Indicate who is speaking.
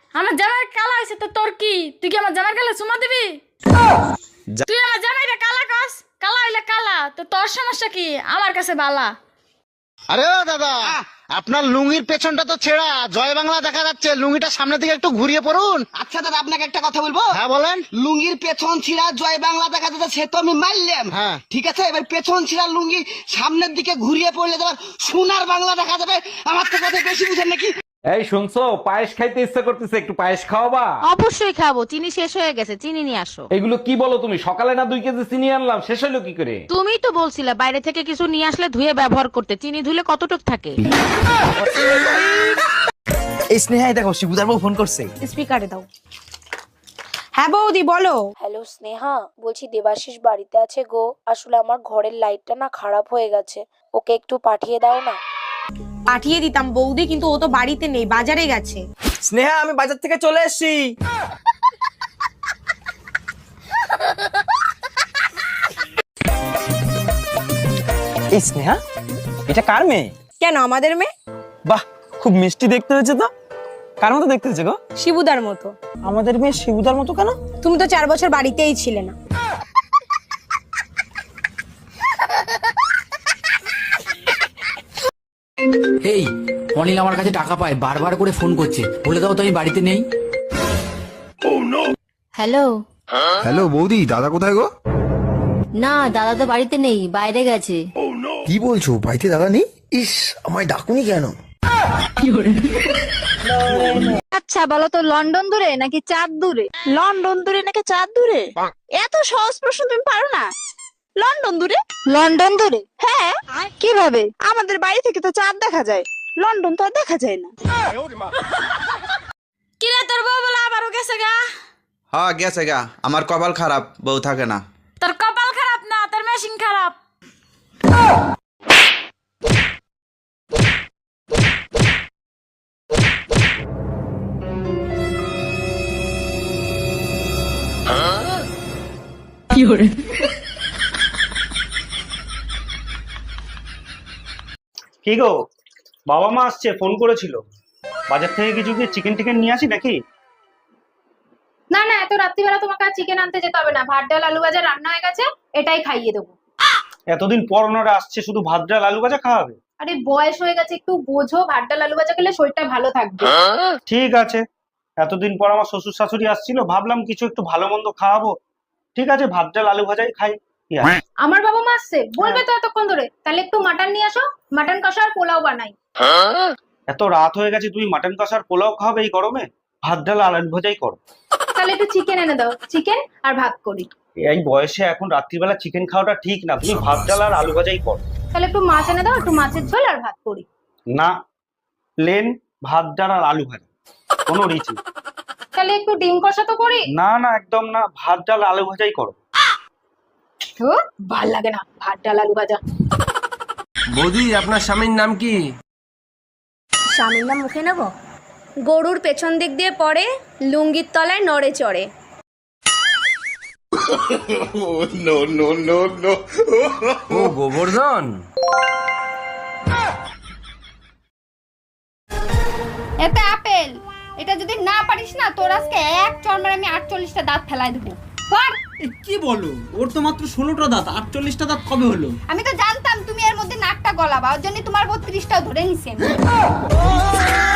Speaker 1: আমার জামাই কালা হয়েছে তো তোর কি? তুই কি আমার জামাই কালা চুমা দিবি? তুই আমার জামাইরে কালা কস, কালা হইলে কালা, তো তোর সমস্যা কি? আমার কাছে বালা।
Speaker 2: আরে ও দাদা, আপনার লুঙ্গির পেছনটা তো ছেঁড়া, জয় বাংলা দেখা যাচ্ছে, লুঙ্গিটা সামনের দিকে একটু ঘুরিয়ে পড়ুন।
Speaker 3: আচ্ছা দাদা, আপনাকে একটা কথা বলবো।
Speaker 2: হ্যাঁ বলেন।
Speaker 3: লুঙ্গির পেছন ছিঁড়া জয় বাংলা দেখা যাচ্ছে, সে তো আমি মারলাম।
Speaker 2: হ্যাঁ।
Speaker 3: ঠিক আছে, এবার পেছন ছিঁড়া লুঙ্গি সামনের দিকে ঘুরিয়ে পড়লে তোমার সোনার বাংলা দেখা যাবে। আমার তো কথা বেশি বুঝেন নাকি?
Speaker 4: এই শুনছো, পায়েস খাইতে ইচ্ছা করতেছে, একটু পায়েস খাওয়াবা?
Speaker 5: অবশ্যই খাবো, চিনি শেষ হয়ে গেছে, চিনি নিয়ে আসো।
Speaker 4: এগুলো কি বলো তুমি? সকালে না 2 কেজি চিনি আনলাম, শেষ হলো কি করে?
Speaker 5: তুমিই তো বলছিলে বাইরে থেকে কিছু নিয়ে আসলে ধুয়ে ব্যবহার করতে, চিনি ধুলে কতটুক থাকে।
Speaker 6: এই স্নেহা, দেখো শিবুদার বউ ফোন করছে।
Speaker 7: স্পিকারে দাও। হ্যাঁ বৌদি বলো।
Speaker 8: হ্যালো স্নেহা, বলছি দেবাশিস বাড়িতে আছে গো। আসলে আমার ঘরের লাইটটা না খারাপ হয়ে গেছে, ওকে একটু পাঠিয়ে দাও না।
Speaker 7: পাঠিয়ে দিতাম বৌদি, কিন্তু ও তো বাড়িতে নেই, বাজারে গেছে।
Speaker 6: স্নেহা, আমি বাজার থেকে চলে এসেছি। এই স্নেহা, এটা কার মেয়ে?
Speaker 7: কেন, আমাদের মেয়ে।
Speaker 6: বাহ, খুব মিষ্টি দেখতে হয়েছে তো। কার মতো দেখতে হয়েছে গো?
Speaker 7: শিবুদার মতো।
Speaker 6: আমাদের মেয়ে শিবুদার মতো কেন?
Speaker 7: তুমি তো 4 বছর বাড়িতেই ছিলে না।
Speaker 9: এই অনিল আমার কাছে টাকা পায়, বারবার করে ফোন করছে, বলে দাও তো আমি বাড়িতে নেই।
Speaker 10: হ্যালো।
Speaker 11: হ্যালো বৌদি, দাদা কোথায় গো?
Speaker 10: না, দাদা তো বাড়িতে নেই, বাইরে গেছে।
Speaker 11: কি বলছো, বাড়িতে দাদা নেই? ইস, আমায় ডাকুনি কেন?
Speaker 5: আচ্ছা বলো তো, লন্ডন দূরে নাকি চাঁদ দূরে? লন্ডন দূরে নাকি চাঁদ দূরে? এত সহজ প্রশ্ন তুমি পারো না? লন্ডন দূরে। লন্ডন দূরে? হ্যাঁ। কিভাবে? আমাদের বাড়ি থেকে তো চাঁদ দেখা যায়, লন্ডন তো আর দেখা যায় না।
Speaker 1: কিরে তোর বউ বলে আবারও গেছে গা?
Speaker 12: হ্যাঁ গেছে গা, আমার কপাল খারাপ, বউ থাকে না।
Speaker 1: তোর কপাল খারাপ না, তোর মেশিন খারাপ।
Speaker 13: কি গো, বাবা মা আসছে, ফোন করেছিল। বাজার থেকে কিছু কি চিকেন টিকেন নিয়ে আসি নাকি?
Speaker 1: না না, এত রাত্রিবেলা তোমাকে আর চিকেন আনতে যেতে হবে না, ভাত ডাল আলু ভাজা রান্না হয়ে গেছে, এটাই খাইয়ে দেবো।
Speaker 13: এতদিন পর ওনারা আসছে, শুধু ভাত ডাল আলু ভাজা খাওয়াবে?
Speaker 1: আরে বয়স হয়ে গেছে, একটু বোঝো, ভাত ডাল আলু ভাজা খেলে শরীরটা ভালো থাকবে।
Speaker 13: ঠিক আছে, এতদিন পর আমার শ্বশুর শাশুড়ি আসছিল, ভাবলাম কিছু একটু ভালো মন্দ খাওয়াবো। ঠিক আছে, ভাত ডাল আলু ভাজাই খাই। কি আছে?
Speaker 1: আমার বাবা মা আসছে, বলবে তো এতক্ষণ ধরে, তাহলে একটু মাটন নিয়ে আসো, মাটন কষা আর পোলাও বানাই।
Speaker 13: এত রাত হয়ে গেছে, তুমি মাটন কষার পোলাও খাবে এই গরমে? ভাত ডাল আলু ভাজাই করো।
Speaker 1: তাহলে একটু চিকেন এনে দাও, চিকেন আর ভাত করি।
Speaker 13: এই বয়সে এখন রাত্রিবেলা চিকেন খাওয়াটা ঠিক না, তুমি ভাত ডাল আর আলু ভাজাই করো।
Speaker 1: তাহলে একটু মাছ এনে দাও, একটু মাছের ঝোল আর ভাত করি।
Speaker 13: না, প্লেন ভাত ডাল আর আলু ভাজা, কোনো রিচ নেই।
Speaker 1: তাহলে একটু ডিম কষা তো করি।
Speaker 13: না না, একদম না, ভাত ডাল আলু ভাজাই করো।
Speaker 1: তো ভাল লাগে না ভাত ডাল আলু ভাজা।
Speaker 9: বৌদি, আপনার স্বামীর নাম কি?
Speaker 8: স্বামীর নাম মুখে নেব? গরুর পেছন দিক দিয়ে পড়ে, লুঙ্গির তলায় নড়ে চড়ে।
Speaker 9: ও গোবর্ধন।
Speaker 1: এতে আপেল, এটা যদি না পারিস না, তোর আজকে এক চড়মের আমি 48টা দাঁত ফেলাই দেবো।
Speaker 6: কি বলো, ওর তো মাত্র 16টা দাঁত, 48টা দাঁত কবে হলো?
Speaker 1: আমি তো জানতাম তুমি এর মধ্যে নাকটা গলাবা, ওর জন্য তোমার 32টাও ধরে নিছি আমি।